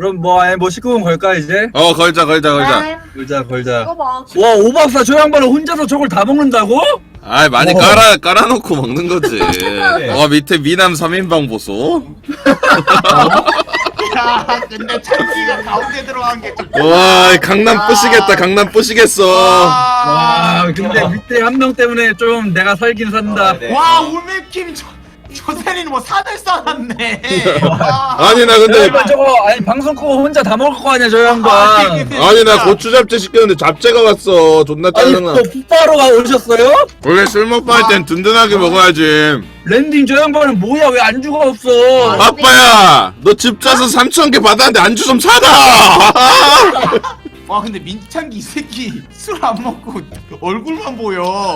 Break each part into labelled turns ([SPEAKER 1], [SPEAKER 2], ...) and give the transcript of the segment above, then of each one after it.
[SPEAKER 1] 그럼 뭐 19금 걸까 이제?
[SPEAKER 2] 걸자.
[SPEAKER 1] 걸자.
[SPEAKER 3] 이거 봐.
[SPEAKER 1] 와 5박사 저 양반은 혼자서 저걸 다 먹는다고?
[SPEAKER 2] 아이 많이 깔아놓고 먹는 거지. 밑에 미남 3인방 보소.
[SPEAKER 4] 야, 근데 찬기가 가운데 들어간 게 좀.
[SPEAKER 2] 와 강남 뿌시겠다. 강남 뿌시겠어.
[SPEAKER 1] 와 근데 밑에 한 명 때문에 좀 내가 살긴 산다.
[SPEAKER 4] 와, 울맥킴 조세리는 뭐 사들 쌓았네.
[SPEAKER 2] 아니 나 근데
[SPEAKER 1] 야, 저거 방송 끄고 혼자 다 먹을 거 아니야 저 양반.
[SPEAKER 2] 아니 나 고추 잡채 시켰는데 잡채가 왔어. 존나
[SPEAKER 1] 아니
[SPEAKER 2] 짜증나.
[SPEAKER 1] 또 풋바로가 오셨어요?
[SPEAKER 2] 원래 술 먹고 할 땐 든든하게 먹어야지.
[SPEAKER 1] 랜딩 저 양반은 뭐야 왜 안주가 없어?
[SPEAKER 2] 아빠야 너 집 짜서 3,000개 받았는데 안주 좀 사다.
[SPEAKER 4] 와, 근데 민창기 이 새끼 술 안 먹고 얼굴만 보여.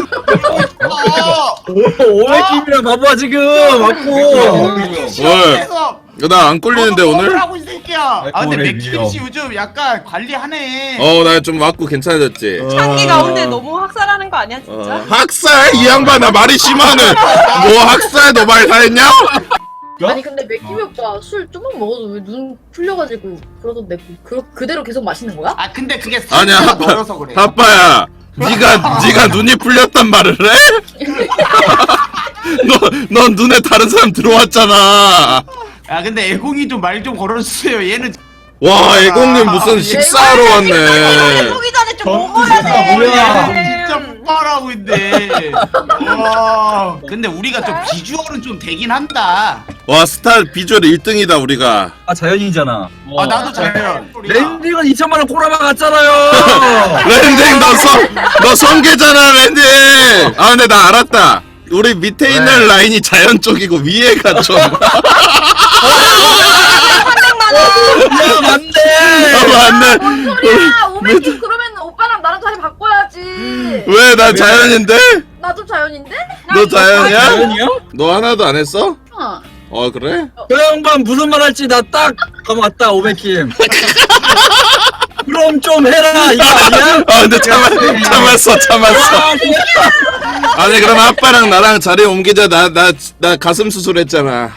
[SPEAKER 1] 500김이랑 봐봐 지금 맞고.
[SPEAKER 4] 시험에서
[SPEAKER 2] 나 안 꼴리는데 오늘?
[SPEAKER 4] 하고 이 새끼야. 아, 근데 맥킴 씨 요즘 약간 관리하네.
[SPEAKER 2] 나 좀 맞고 괜찮아졌지.
[SPEAKER 3] 창기 가운데 너무 학살하는 거 아니야 진짜?
[SPEAKER 2] 학살? 이 양반 나 말이 심하네. 뭐 학살 너 말 다 했냐?
[SPEAKER 5] 아니 근데 맥킴이 오빠 술 조금 먹어도 왜 눈 풀려가지고 그러던데 그대로 계속 마시는 거야?
[SPEAKER 4] 아, 근데 그게
[SPEAKER 2] 아니야
[SPEAKER 4] 살짝 멀어서 그래.
[SPEAKER 2] 아빠야 네가 눈이 풀렸단 말을 해? 넌 눈에 다른 사람 들어왔잖아.
[SPEAKER 4] 아, 근데 애공이도 말 좀 걸어주세요. 얘는
[SPEAKER 2] 와 애공님 무슨 식사하러 왔네.
[SPEAKER 3] 보기 전에 좀 먹어야 돼.
[SPEAKER 4] 뭐야? 진짜 폭발하고 있네. 와. 근데 우리가 좀 비주얼은 좀 되긴 한다.
[SPEAKER 2] 와 스타 비주얼 1등이다 우리가.
[SPEAKER 1] 아 자연이잖아.
[SPEAKER 4] 아, 나도 자연.
[SPEAKER 1] 랜딩은 2천만 원 꼬라박 갔잖아요.
[SPEAKER 2] 랜딩 너 성계잖아 랜딩. 아 근데 나 알았다. 우리 밑에 있는 라인이 자연 쪽이고 위에가 좀.
[SPEAKER 1] 야 맞네.
[SPEAKER 2] 맞네.
[SPEAKER 5] 뭔 소리야? 오백킴 그러면 오빠랑 나랑 자리 바꿔야지.
[SPEAKER 2] 왜 나 자연인데?
[SPEAKER 5] 나도 자연인데?
[SPEAKER 2] 너 자연이야?
[SPEAKER 1] 자연이야?
[SPEAKER 2] 너 하나도 안 했어?
[SPEAKER 5] 어.
[SPEAKER 2] 그래?
[SPEAKER 1] 저 양반 무슨 말 할지 나 딱 맞다 500김. 그럼 좀 해라 이거 아니야?
[SPEAKER 2] 근데 참았어. 아니 그럼 아빠랑 나랑 자리 옮기자. 나 가슴 수술했잖아.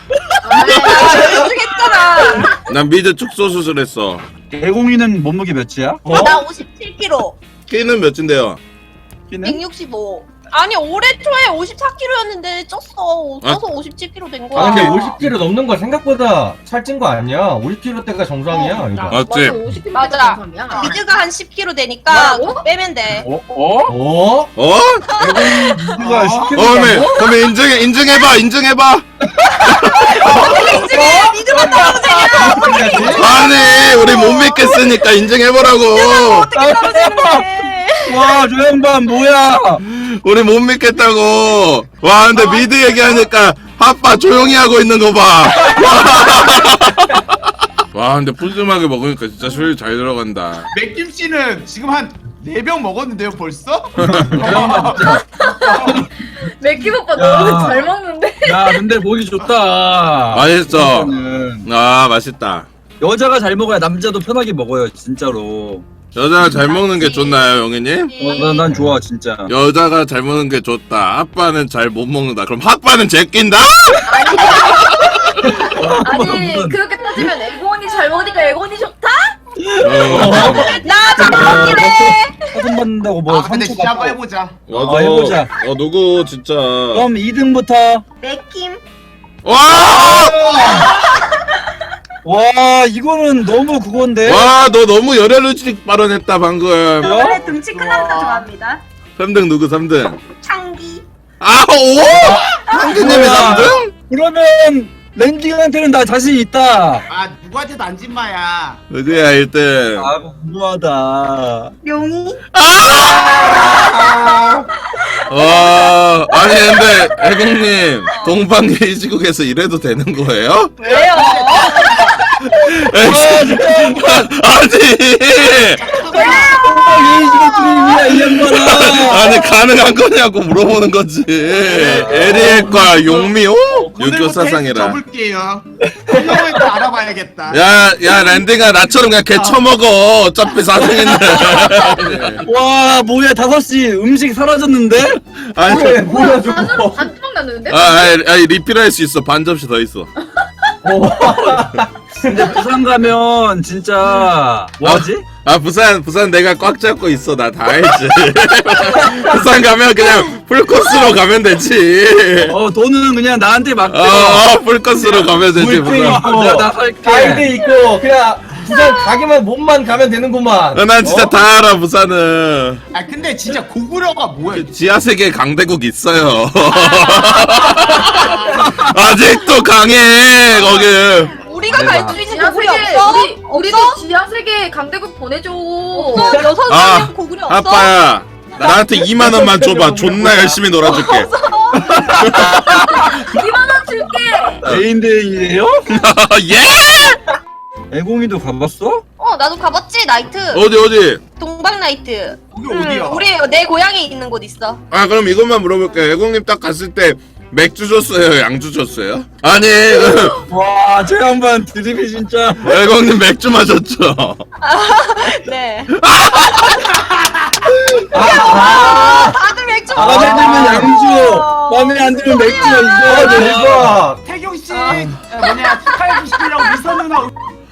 [SPEAKER 3] 해주겠잖아.
[SPEAKER 2] 난 미드 축소 수술했어.
[SPEAKER 1] 대공이는 몸무게 몇이야?
[SPEAKER 3] 나 57kg.
[SPEAKER 2] 키는 몇인데요?
[SPEAKER 3] 165. 아니 올해 초에 54kg였는데 쪘어. 쪄서 57kg 된 거야.
[SPEAKER 6] 아 근데 50kg 넘는 거 생각보다 살찐 거 아니야. 50kg 때가 정상이야. 이거.
[SPEAKER 2] 맞지?
[SPEAKER 5] 50kg
[SPEAKER 3] 맞아.
[SPEAKER 5] 정상이야.
[SPEAKER 3] 미드가 한 10kg 되니까
[SPEAKER 5] 뭐라고?
[SPEAKER 3] 그거 빼면 돼.
[SPEAKER 6] 어?
[SPEAKER 1] 누가
[SPEAKER 2] 그러면 인증해봐.
[SPEAKER 3] 인증해. 미드만 떨어지냐?
[SPEAKER 2] 아니 우리 못 믿겠으니까 인증해보라고.
[SPEAKER 3] 어떻게 떨어지는데?
[SPEAKER 1] 와 저 양반 뭐야?
[SPEAKER 2] 우리 못 믿겠다고. 와 근데 미드 얘기하니까 아빠 조용히 하고 있는 거 봐. 와 근데 푸짐하게 먹으니까 진짜 술 잘 들어간다.
[SPEAKER 4] 맥김 씨는 지금 한 4병 먹었는데요, 벌써?
[SPEAKER 5] 맥킴 오빠 너무 잘 먹는데?
[SPEAKER 1] 야 근데 보기 좋다.
[SPEAKER 2] 맛있어.
[SPEAKER 1] 이거는
[SPEAKER 2] 맛있다.
[SPEAKER 1] 여자가 잘 먹어야 남자도 편하게 먹어요 진짜로.
[SPEAKER 2] 여자가 잘 먹는 게 좋나요 영희님?
[SPEAKER 1] 난 좋아 진짜.
[SPEAKER 2] 여자가 잘 먹는 게 좋다. 아빠는 잘 못 먹는다. 그럼 아빠는 제낀다?
[SPEAKER 5] 아니 그렇게 따지면 애곤이 잘 먹으니까 애곤이 좋다?
[SPEAKER 3] 나 잡아먹긴 해.
[SPEAKER 1] 사돈 받는다고 뭐
[SPEAKER 4] 근데
[SPEAKER 1] 상처
[SPEAKER 4] 진짜 한번
[SPEAKER 1] 받고.
[SPEAKER 4] 해보자.
[SPEAKER 1] 해보자.
[SPEAKER 2] 누구 진짜.
[SPEAKER 1] 그럼 2등부터.
[SPEAKER 3] 맥킴.
[SPEAKER 2] 와!
[SPEAKER 1] 와 이거는 너무 그건데.
[SPEAKER 2] 와, 너 너무 열혈의식 발언했다 방금.
[SPEAKER 3] 원래 등치 큰 남자 좋아합니다.
[SPEAKER 2] 3등 누구 3등?
[SPEAKER 3] 창기.
[SPEAKER 2] 아, 오! 형님이
[SPEAKER 1] 뭐야.
[SPEAKER 2] 3등?
[SPEAKER 1] 그러면 랜딩한테는 나 자신 있다.
[SPEAKER 4] 아, 누구한테도 안 진마야.
[SPEAKER 2] 누구야 1등?
[SPEAKER 1] 아 궁금하다.
[SPEAKER 3] 용이.
[SPEAKER 2] 아니 근데 애국님 동방예의 시국에서 이래도 되는 거예요?
[SPEAKER 3] 왜요?
[SPEAKER 2] 아니
[SPEAKER 1] 이 양반아.
[SPEAKER 2] 아니 가능한 거냐고 물어보는 거지. 에리엘과 용미호? 유교 사상이라.
[SPEAKER 4] 접을게요. 형을 또 알아봐야겠다.
[SPEAKER 2] 야 랜딩아 나처럼 그냥 개 처먹어. 어차피 4등인데.
[SPEAKER 1] 와 뭐야 5시 음식 사라졌는데?
[SPEAKER 2] 아니
[SPEAKER 6] 뭐야
[SPEAKER 5] 반으로 반토막 났는데?
[SPEAKER 2] 아니 리필할 수 있어. 반 접시 더 있어.
[SPEAKER 1] 근데 부산 가면 진짜 뭐하지?
[SPEAKER 2] 아 부산 내가 꽉 잡고 있어. 나 다 알지. 부산 가면 그냥 풀코스로 가면 되지.
[SPEAKER 1] 돈은 그냥 나한테 맡겨.
[SPEAKER 2] 풀코스로 가면 되지.
[SPEAKER 6] 물병
[SPEAKER 2] 부산.
[SPEAKER 6] 있고
[SPEAKER 1] 나 살게.
[SPEAKER 6] 가이드 있고 그냥 부산 가기만 몸만 가면 되는구만.
[SPEAKER 2] 난 진짜 다 알아 부산은.
[SPEAKER 4] 아 근데 진짜 고구려가 뭐야?
[SPEAKER 2] 지하세계 강대국 있어요. 아직도 강해 거기.
[SPEAKER 3] 우리가 갈 수 있는 고구려
[SPEAKER 5] 지하세계
[SPEAKER 3] 없어?
[SPEAKER 5] 우리도
[SPEAKER 3] 없어?
[SPEAKER 5] 지하세계 강대국 보내줘.
[SPEAKER 3] 없어? 6명이랑
[SPEAKER 2] 아,
[SPEAKER 3] 고구려 없어?
[SPEAKER 2] 아빠야 나한테 2만 원만 줘봐. 존나 열심히 놀아줄게.
[SPEAKER 5] 2만 원 줄게.
[SPEAKER 1] 개인대회예요?
[SPEAKER 2] 예?
[SPEAKER 1] 애공이도 가봤어?
[SPEAKER 3] 나도 가봤지 나이트.
[SPEAKER 2] 어디?
[SPEAKER 3] 동방 나이트.
[SPEAKER 4] 거기 어디야?
[SPEAKER 3] 우리 내 고향에 있는 곳 있어.
[SPEAKER 2] 아 그럼 이것만 물어볼게요. 애공님 딱 갔을 때 맥주 줬어요? 양주 줬어요? 아니
[SPEAKER 1] 와, 저 양반 드립이 진짜.
[SPEAKER 2] 애공님 맥주 마셨죠?
[SPEAKER 3] 네. 다들 맥주
[SPEAKER 1] 마음에 들면 양주, 마음에 안 들면 맥주 이거.
[SPEAKER 6] 대박.
[SPEAKER 4] 태경 씨 뭐냐 축하해 주시려고 미선 누나.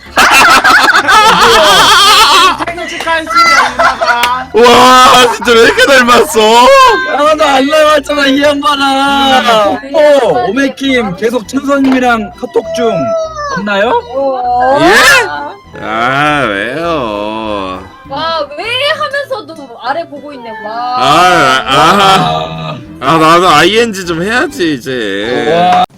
[SPEAKER 4] 태경 축하해 주시려 누나가.
[SPEAKER 2] 와 진짜 왜 이렇게 닮았어?
[SPEAKER 1] 하나도 안 나왔잖아 이 양반아. 오메킴 계속 천선님이랑 카톡 중 없나요?
[SPEAKER 2] 예? 아 왜요?
[SPEAKER 5] 와 왜 하면서도 아래 보고 있네. 와.
[SPEAKER 2] 나도 ING 좀 해야지 이제.
[SPEAKER 1] 와.